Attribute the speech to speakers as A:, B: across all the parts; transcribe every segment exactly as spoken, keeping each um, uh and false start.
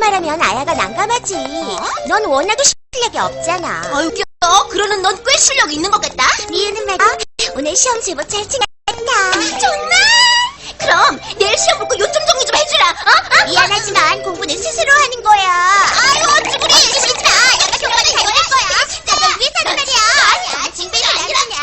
A: 말하면 아야가 난감하지. 넌 워낙에 실력이 없잖아.
B: 아유, 그러는 넌 꽤 실력 있는 것 같다.
A: 미우는 말이야. 오늘 시험 제법 잘 챙겼다.
B: 정말? 그럼 내일 시험 볼 거 요점 정리 좀 해주라. 어? 어?
A: 미안하지만 공부는 스스로 하는 거야.
B: 아유, 어찌부리. 어찌부리 마. 내가 정말 잘 될 거야.
A: 내가 위해서는 말이야.
B: 아니야, 징배이 아니라냐.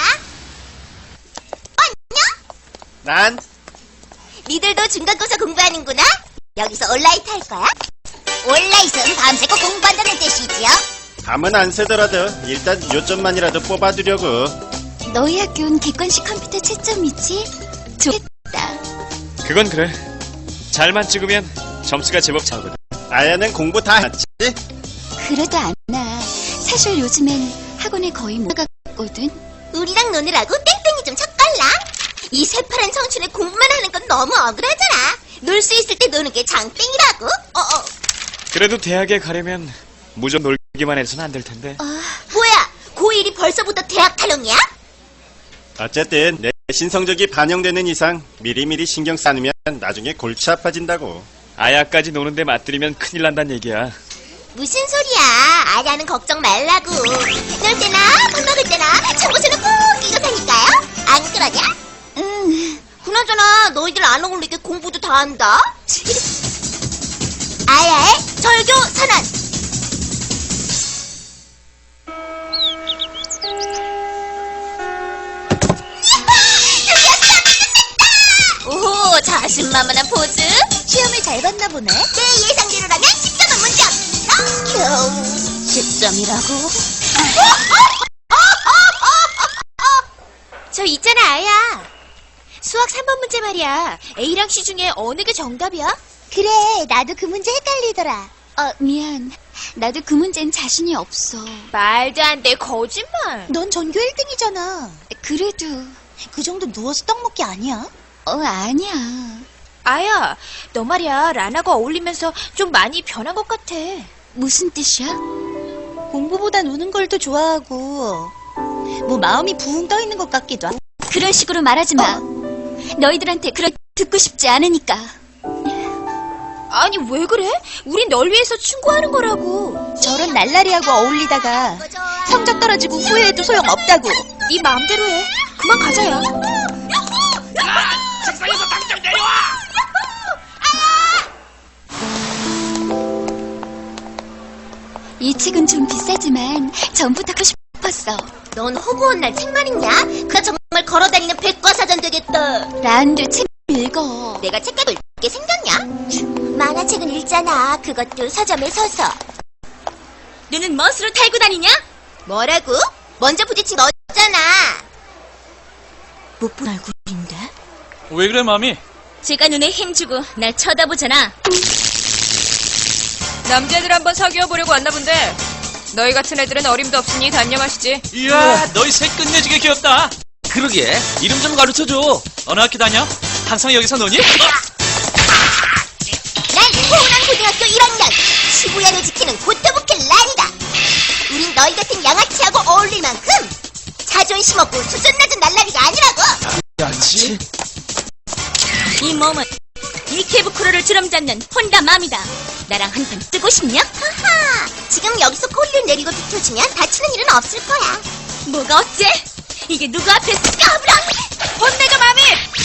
C: 난
B: 니들도 중간고사 공부하는구나? 여기서 온라이트 할 거야? 온라이트는 밤새고 공부한다는 뜻이지요?
C: 밤은 안 새더라도 일단 요점만이라도 뽑아두려고.
D: 너희 학교는 객관식 컴퓨터 채점이지? 좋겠다.
E: 그건 그래. 잘만 찍으면 점수가 제법 차거든.
C: 아야는 공부 다 했지?
D: 그래도 않아. 사실 요즘엔 학원에 거의 못 가거든.
B: 우리랑 노느라고 땡땡이 좀 쳤걸라. 이 새파란 청춘에 공부만 하는 건 너무 억울하잖아. 놀 수 있을 때 노는 게 장땡이라고. 어, 어.
E: 그래도 대학에 가려면 무조건 놀기만 해서는 안 될 텐데.
B: 뭐야, 고일이 벌써부터 대학 탈영이야?
C: 어쨌든 내신 성적이 반영되는 이상 미리미리 신경 쓰면 나중에 골치 아파진다고.
E: 아야까지 노는데 맞들이면 큰일 난단 얘기야.
B: 무슨 소리야. 아야는 걱정 말라고. 놀 때나 밥 먹을 때나 참고서는 꼭 끼고 사니까요. 안 그러냐?
D: 응.
B: 그나저나 너희들 안 어울리게 공부도 다 한다. 아야의 절교 선언. 오호, 자신만만한 포즈.
A: 시험을 잘 봤나 보네.
B: 내 예상대로라면 십 점은 문제 없어. 겨우 십 점이라고?
A: 저 있잖아, 아야. 수학 삼 번 문제 말이야. A랑 C 중에 어느 게 정답이야? 그래, 나도 그 문제 헷갈리더라.
D: 어, 미안. 나도 그 문제는 자신이 없어.
A: 말도 안 돼, 거짓말.
F: 넌 전교 일 등이잖아.
D: 그래도,
F: 그 정도 누워서 떡 먹기 아니야?
D: 어, 아니야.
A: 아야, 너 말이야, 라나가 어울리면서 좀 많이 변한 것 같아.
D: 무슨 뜻이야?
F: 공부보단 우는 걸 더 좋아하고 뭐 마음이 붕 떠 있는 것 같기도 하고.
D: 그런 식으로 말하지 마. 너희들한테 그렇 듣고 싶지 않으니까.
A: 아니, 왜 그래? 우린 널 위해서 충고하는 거라고.
F: 저런 날라리하고 어울리다가 성적 떨어지고 후회해도 소용없다고.
A: 네 마음대로 해. 그만 가자야.
G: 책상에서 당장 내려와!
D: 이 책은 좀 비싸지만 전부터 갖고 싶었어.
B: 넌 허구한 날 책만 읽냐? 그가 정말 걸어다니는 백과사전 되겠다.
D: 란도 책 읽어.
B: 내가 책가도 읽게 생겼냐?
A: 만화책은 읽잖아. 그것도 서점에 서서.
B: 너는 멋으로 탈고 다니냐? 뭐라고? 먼저 부딪힌 너잖아. 못 본 얼굴인데?
G: 왜 그래, 마미?
B: 제가 눈에 힘주고 날 쳐다보잖아.
H: 남자애들 한번 사귀어보려고 왔나 본데 너희 같은 애들은 어림도 없으니 단념하시지.
G: 이야, 너희 새 끝내주게 귀엽다. 그러게, 이름 좀 가르쳐줘. 어느 학교 다녀? 항상 여기서 노니?
B: 난 호남 고등학교 일 학년 시부야를 지키는 고토부케 란이다. 우린 너희 같은 양아치하고 어울릴 만큼 자존심 없고 수준 낮은 날라리가 아니라고.
G: 야치?
B: 이 몸은 이케부쿠로를 주름 잡는 혼다맘이다. 나랑 한판 뜨고 싶냐? 하하, 지금 여기서 코리를 내리고 비켜주면 다치는 일은 없을 거야. 뭐가 어째? 이게 누구 앞에서 까불어? 혼내줘, 마미!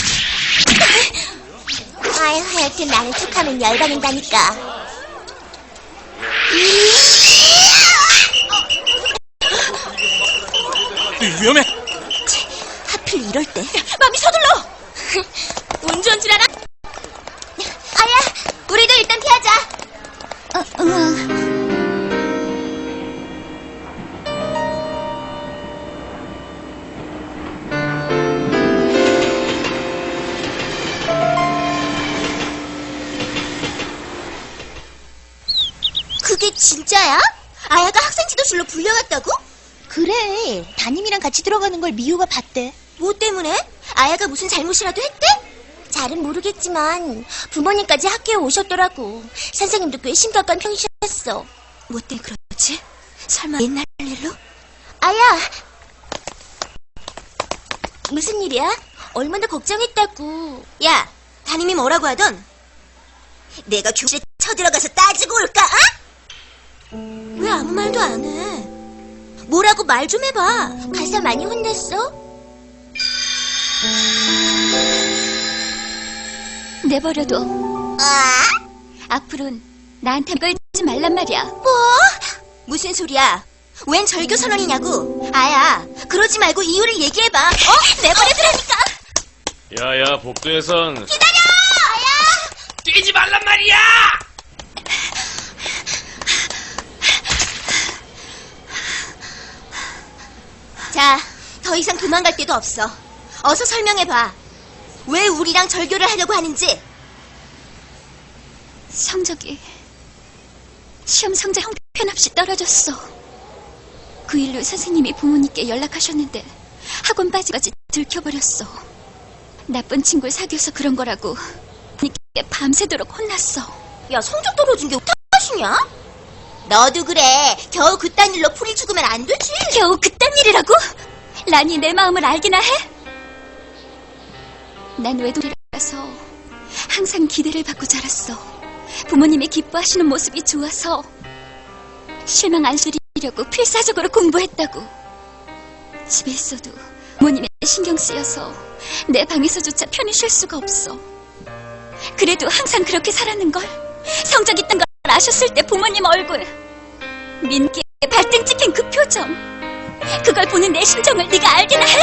A: 아유, 하여튼 나는 툭하면 열받는다니까.
G: 위험해.
B: 하필 이럴 때 마미 서둘러! 운 좋은 줄 알아? 아야, 우리도 일단 피하자.
D: 어, 우와.
B: 그게 진짜야? 아야가 학생 지도실로 불려갔다고?
F: 그래, 담임이랑 같이 들어가는 걸 미우가 봤대.
B: 뭐 때문에? 아야가 무슨 잘못이라도 했대?
A: 잘은 모르겠지만 부모님까지 학교에 오셨더라고. 선생님도 꽤 심각한 편이셨어.
B: 뭐 때문에 그러지? 설마 옛날 일로?
A: 아야! 무슨 일이야? 얼마나 걱정했다고.
B: 야, 담임이 뭐라고 하던? 내가 교실에 쳐들어가서 따지고 올까? 어? 왜 아무 말도 안 해? 뭐라고 말 좀 해봐. 가서 많이 혼냈어?
D: 내버려둬.
B: 아?
D: 앞으로는 나한테 걸지 말란 말이야.
B: 뭐? 무슨 소리야? 웬 절교 선언이냐고? 아야, 그러지 말고 이유를 얘기해봐. 어? 내버려두라니까.
E: 야야, 복도에선
B: 기다려! 아야!
G: 뛰지 말란 말이야!
B: 자, 더 이상 도망갈 데도 없어. 어서 설명해봐. 왜 우리랑 절교를 하려고 하는지.
D: 성적이 시험 성적 형편없이 떨어졌어. 그 일로 선생님이 부모님께 연락하셨는데 학원 빠지까지 들켜버렸어. 나쁜 친구를 사귀어서 그런 거라고 부모님께 밤새도록 혼났어.
B: 야, 성적 떨어진 게 탓이냐? 너도 그래. 겨우 그딴 일로 풀이 죽으면 안 되지.
D: 겨우 그딴 일이라고? 란이 내 마음을 알기나 해? 난 외동이라서 항상 기대를 받고 자랐어. 부모님이 기뻐하시는 모습이 좋아서 실망 안 시리려고 필사적으로 공부했다고. 집에 있어도 부모님의 신경 쓰여서 내 방에서조차 편히 쉴 수가 없어. 그래도 항상 그렇게 살았는걸. 성적 있던 걸 아셨을 때 부모님 얼굴, 민기에 발등 찍힌 그 표정, 그걸 보는 내 심정을 네가 알기나 해?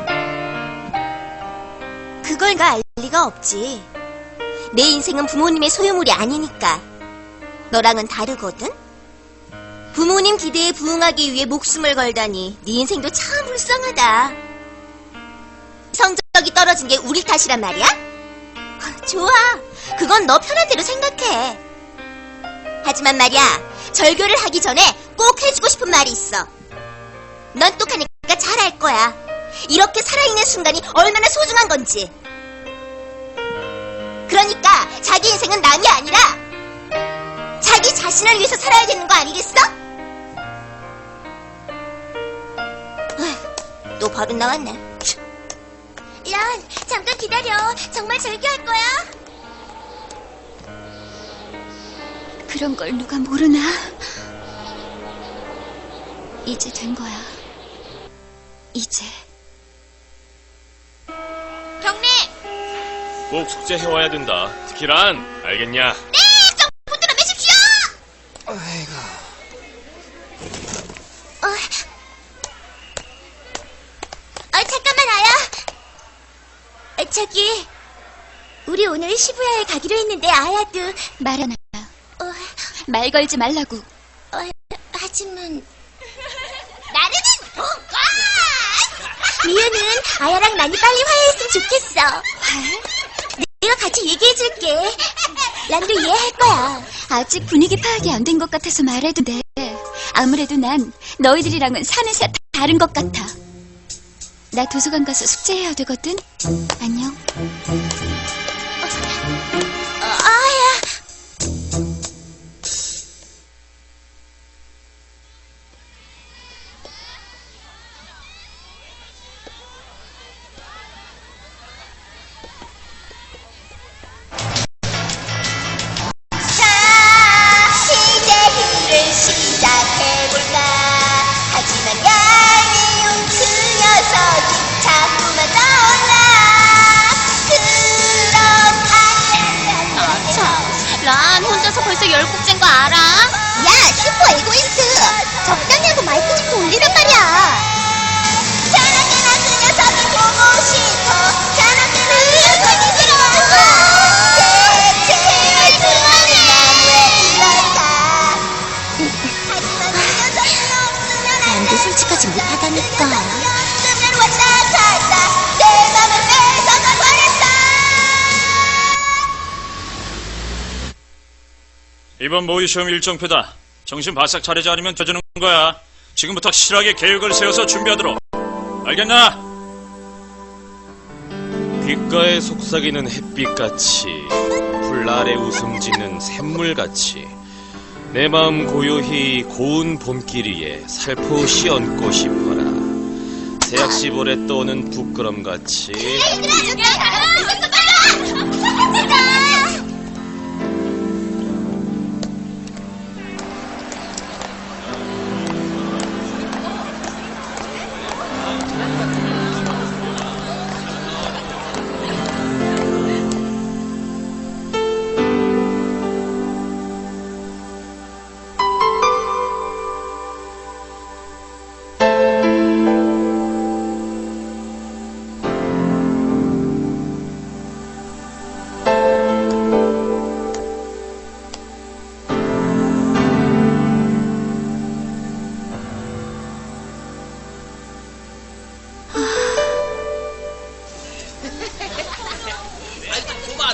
B: 그걸 나 알 리가 없지. 내 인생은 부모님의 소유물이 아니니까. 너랑은 다르거든? 부모님 기대에 부응하기 위해 목숨을 걸다니 네 인생도 참 불쌍하다. 성적이 떨어진 게 우리 탓이란 말이야? 좋아. 그건 너 편한 대로 생각해. 하지만 말이야, 절교를 하기 전에 꼭 해주고 싶은 말이 있어. 넌 똑하니까 잘 알 거야. 이렇게 살아있는 순간이 얼마나 소중한 건지. 그러니까 자기 인생은 남이 아니라 자기 자신을 위해서 살아야 되는 거 아니겠어? 어휴, 또 버릇 나왔네. 란, 잠깐 기다려. 정말 절교할 거야?
D: 그런 걸 누가 모르나? 이제 된 거야. 이제.
A: 경례!
E: 꼭 숙제 해와야 된다. 특히 란, 알겠냐?
A: 네! 좀 붙들어 매십시오!
B: 어, 어, 잠깐만, 아야. 어, 저기, 우리 오늘 시부야에 가기로 했는데 아야도.
D: 말하나.
B: 어,
D: 말 걸지 말라고.
B: 어, 하지만
A: 나르는 뭔가!
B: 미유는 아야랑 많이 빨리 화해했으면 좋겠어.
D: 화?
B: 내가 같이 얘기해줄게. 란도 이해할 거야.
D: 아직 분위기 파악이 안 된 것 같아서 말해도 돼. 아무래도 난 너희들이랑은 사는 새 다른 것 같아. 나 도서관 가서 숙제해야 되거든. 안녕.
B: 어, 아야.
A: 란, 혼자서 벌써 열 곡째인 거 알아?
B: 야, 슈퍼 에고이스트. 적당히 하고 마이크 좀 돌리란 말이야. 자나깨나 그 녀석이 보고 싶어. 자나깨나 그 녀석이 들어왔어. 제발 그만해. 난왜 이럴까. 하지만 그 녀석이 없으면 안 돼. 솔직하지 못하다니까. 없으면 왔다 갔다 내 맘을 뺏어가 버렸어.
E: 이번 모의 시험 일정표다. 정신 바싹 차리지 않으면 져주는 거야. 지금부터 실하게 계획을 세워서 준비하도록. 알겠나? 귓가에 속삭이는 햇빛같이, 풀 아래 웃음 짓는 샘물같이, 내 마음 고요히 고운 봄길 위에 살포시 얹고 싶어라. 새약시볼에 떠오는 부끄럼같이.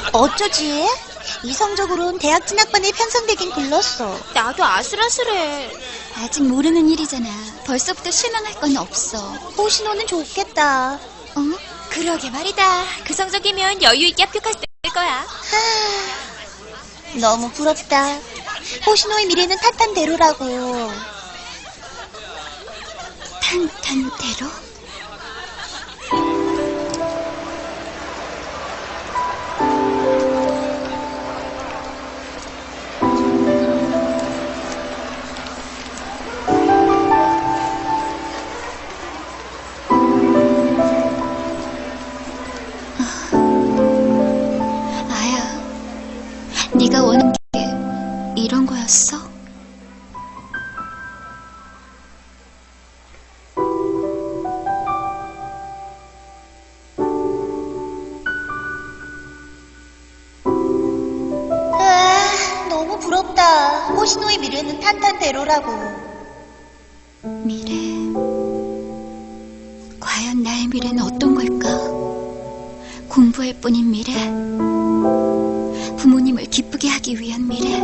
F: 어쩌지? 이성적으로는 대학 진학반에 편성되긴 글렀어.
A: 나도 아슬아슬해.
D: 아직 모르는 일이잖아. 벌써부터 실망할 건 없어.
F: 호시노는 좋겠다.
D: 어?
A: 그러게 말이다. 그 성적이면 여유 있게 합격할 수 있을 거야.
F: 너무 부럽다. 호시노의 미래는 탄탄대로라고.
D: 탄탄대로? 아야, 네가 원하는 게 이런 거였어?
F: 아, 너무 부럽다. 호시노의 미래는 탄탄대로라고.
D: 미래. 과연 나의 미래는 어떤 걸까? 공부할 뿐인 미래? 부모님을 기쁘게 하기 위한 미래?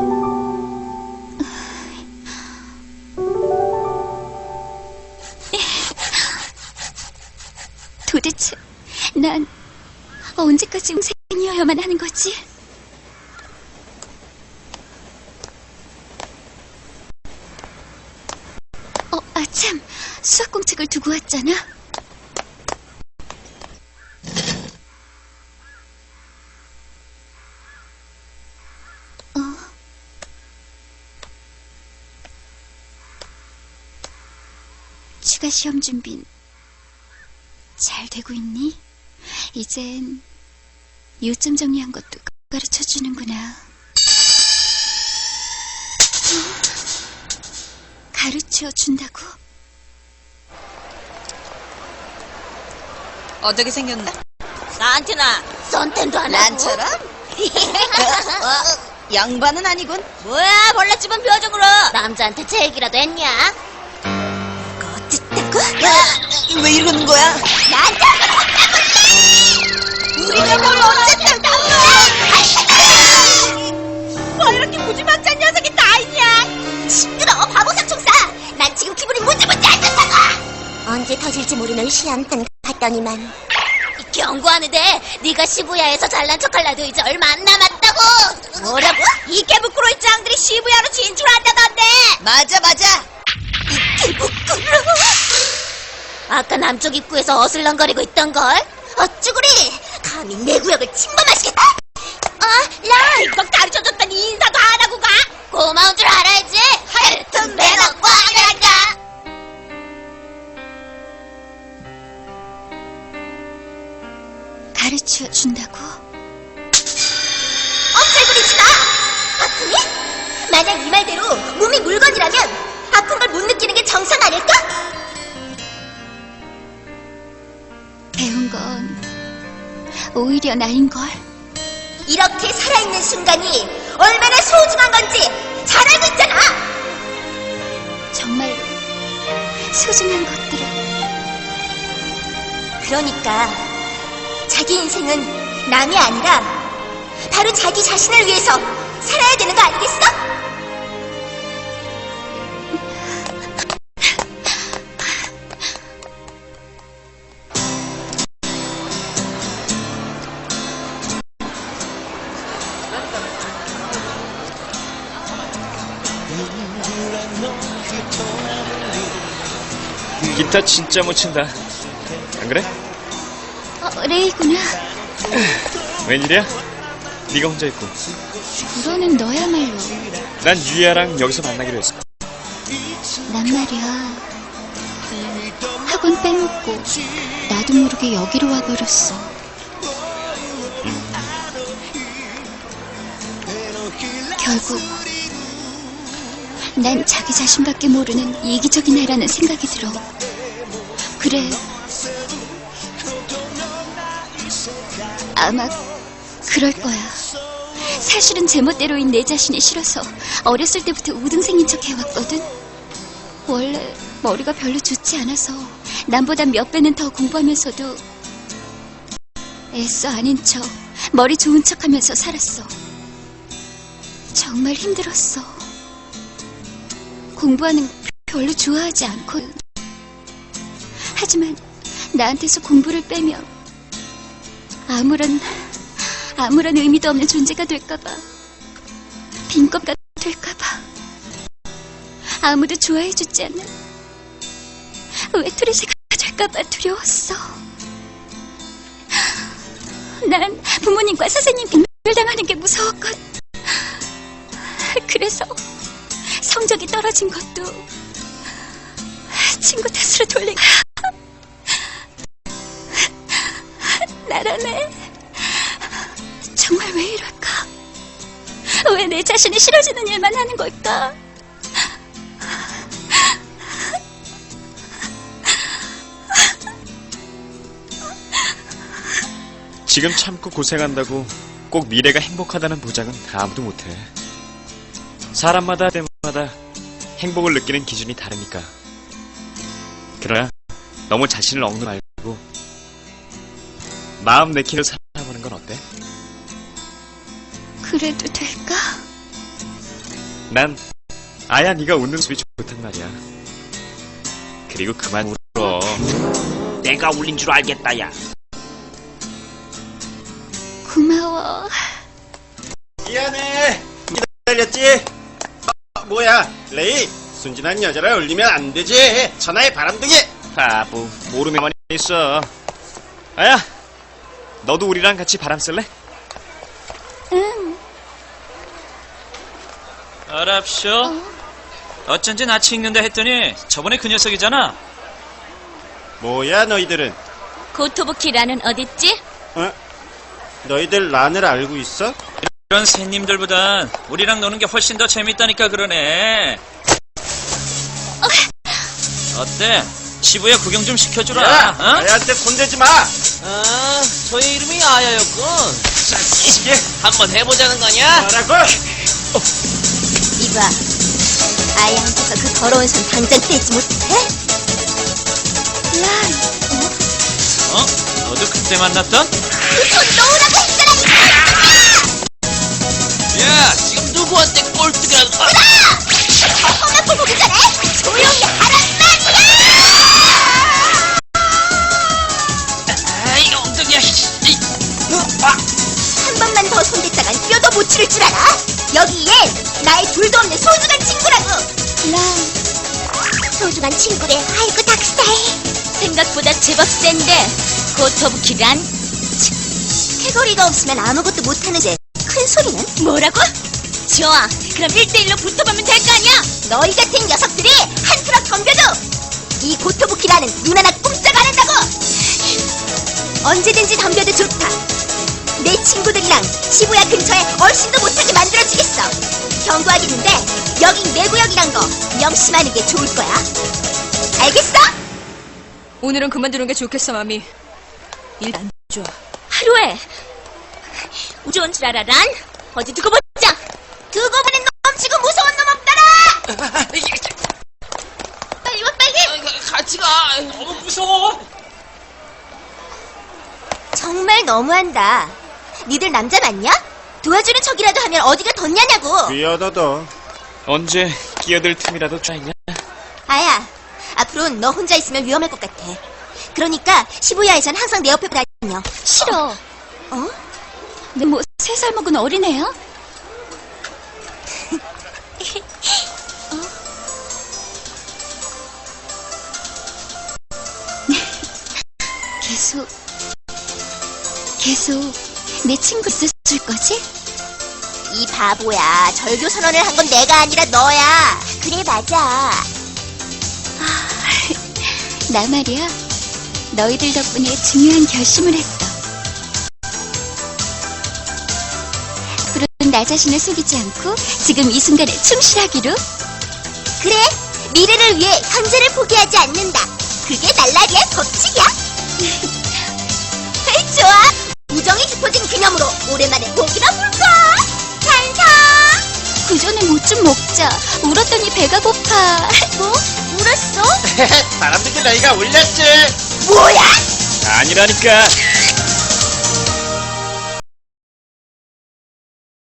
D: 도대체 난 언제까지 생이어야만 하는 거지? 어, 아참, 수학 공책을 두고 왔잖아. 어. 추가 시험 준비는 잘 되고 있니? 이젠 요점 정리한 것도 가르쳐 주는구나. 가르쳐 준다고?
H: 어떻게 생겼나?
B: 나한테나 썬텐도 안 하고.
F: 난처럼? 양반은 아니군.
B: 뭐야, 벌레집은 표정으로. 남자한테 제 얘기라도 했냐? 어쨌다고?
F: 왜 이러는 거야?
B: 나한테 우리가 뭘 어쨌다고? 뭐 이렇게 무지막지한 녀석이 다 있냐? 시끄러워, 바보 삼총사. 난 지금 기분이 무지무지 안 좋다고. 언제 터질지 모르는 시한탄 같더니만. 경고하는데 네가 시부야에서 잘난 척할 날도 이제 얼마 안 남았다고. 뭐라고? 이케부쿠로의 짱들이 시부야로 진출한다던데.
F: 맞아, 맞아.
B: 이케부쿠로? 아까 남쪽 입구에서 어슬렁거리고 있던걸? 어쭈구리! 감히 내 구역을 침범하시겠다! 어, 라! 이거 가르쳐줬더니 인사도 안 하고 가! 고마운 줄 알아야지! 하여튼 매너 꽝이란다!
D: 가르쳐 준다고?
B: 엄살부리지 마! 아프니? 만약 이 말대로 몸이 물건이라면 아픈 걸 못 느끼는 게 정상 아닐까?
D: 배운 건 오히려 나인걸.
B: 이렇게 살아있는 순간이 얼마나 소중한 건지 잘 알고 있잖아!
D: 정말로 소중한 것들을.
B: 그러니까 자기 인생은 남이 아니라 바로 자기 자신을 위해서 살아야 되는 거 아니겠어?
E: 기타 진짜 못 친다. 안 그래?
D: 어, 레이구나.
E: 웬일이야? 네가 혼자 있고.
D: 불어는 너야말로.
E: 난 유야랑 여기서 만나기로 했어.
D: 난 말이야. 학원 빼먹고 나도 모르게 여기로 와버렸어. 결국 난 자기 자신밖에 모르는 이기적인 애라는 생각이 들어. 그래, 아마 그럴 거야. 사실은 제멋대로인 내 자신이 싫어서 어렸을 때부터 우등생인 척 해왔거든. 원래 머리가 별로 좋지 않아서 남보다 몇 배는 더 공부하면서도 애써 아닌 척 머리 좋은 척하면서 살았어. 정말 힘들었어. 공부하는 거 별로 좋아하지 않거든. 하지만 나한테서 공부를 빼면 아무런 아무런 의미도 없는 존재가 될까봐, 빈껍가 될까봐, 아무도 좋아해주지 않는 외톨이새가 될까봐 두려웠어. 난 부모님과 선생님 빙별당하는 게 무서웠거든. 그래서 성적이 떨어진 것도 친구 탓으로 돌린 거야. 나라네. 정말 왜 이럴까? 왜 내 자신이 싫어지는 일만 하는 걸까?
I: 지금 참고 고생한다고 꼭 미래가 행복하다는 보장은 아무도 못해. 사람마다 때마다 행복을 느끼는 기준이 다르니까. 그러나 너무 자신을 억누르지 말고 마음 내키로 살아보는 건 어때?
D: 그래도 될까?
I: 난 아야 네가 웃는 모습이 좋단 말이야. 그리고 그만 울어.
G: 내가 울린 줄 알겠다, 야.
D: 고마워.
C: 미안해. 기다렸지? 어, 뭐야, 레이? 순진한 여자를 울리면 안 되지. 천하의 바람둥이.
I: 바보, 모르면 있어. 아야, 너도 우리랑 같이 바람 쐴래?
D: 응.
G: 알았쇼. 어쩐지 낯이 익는다 했더니 저번에 그 녀석이잖아.
C: 뭐야, 너희들은?
B: 고토부키라는 어딨지?
C: 어? 너희들 란을 알고 있어?
G: 이런 새님들보단 우리랑 노는 게 훨씬 더 재밌다니까 그러네. 어때? 시부야 구경 좀 시켜주라.
C: 야,
G: 어?
C: 아야한테 손대지 마.
J: 아, 저의 이름이 아야였군.
C: 이게
J: 한번 해보자는 거냐?
C: 뭐라고?
B: 이봐, 아이한테서 그 더러운 손 당장 떼지 못해?
D: 란,
G: 어? 너도 그때 만났던?
B: 그 손 놓으라고 했잖아!
J: 야, 지금 누구한테 꼴뚜기라도. 아!
B: 험한 꼴 보기 전에 조용히 하란 말이야!
J: 아이, 엉덩이야. 이, 아,
B: 한 번만 더 손댔다간 뼈도 못 치를 줄 알아? 여기 얘 나의 둘도 없는 소중한 친구라고!
D: 란.
B: 소중한 친구래. 아이고 닥스타해. 생각보다 제법 센데 고토부키란? 캐거리가 없으면 아무것도 못하는데 큰 소리는? 뭐라고? 좋아, 그럼 일 대일로 붙어보면 될 거 아니야? 너희 같은 녀석들이 한 트럭 덤벼도 이 고토부키라는 눈 하나 꼼짝 안 한다고! 언제든지 덤벼도 좋다. 내 친구들이랑 시부야 근처에 얼씬도 못하게 만들어주겠어. 경고하겠는데 여긴 내 구역이란 거 명심하는 게 좋을 거야. 알겠어?
H: 오늘은 그만두는 게 좋겠어, 마미. 일 안 좋아.
B: 하루에 우주온 줄 알아, 란? 어디 두고 보자. 두고 보는 놈 치고 무서운 놈 없더라. 빨리 와, 빨리.
J: 같이 가.
G: 너무 무서워.
B: 정말 너무한다. 니들 남자 맞냐? 도와주는 척이라도 하면 어디가 덧냐냐고.
C: 미안하다.
I: 언제 끼어들 틈이라도 쫙있냐?
B: 아야, 앞으로는 너 혼자 있으면 위험할 것 같아. 그러니까 시부야에선 항상 내 옆에 다녀.
D: 싫어.
B: 어?
D: 내 뭐 세 살 먹은 어린애야? 계속 계속 내 친구 있을 거지?
B: 이 바보야. 절교 선언을 한 건 내가 아니라 너야. 그래, 맞아.
D: 나 말이야. 너희들 덕분에 중요한 결심을 했어. 앞으로는 나 자신을 속이지 않고 지금 이 순간에 충실하기로.
B: 그래, 미래를 위해 현재를 포기하지 않는다. 그게 날라리의 법칙이야. 좋아. 우정이 깊어진 기념으로 오랜만에 고기나 볼까? 찬성.
D: 그 전에 뭐 좀 먹자. 울었더니 배가 고파.
B: 뭐? 울었어?
C: 바람둥이 레이가 울렸지.
B: 뭐야?
I: 아니라니까.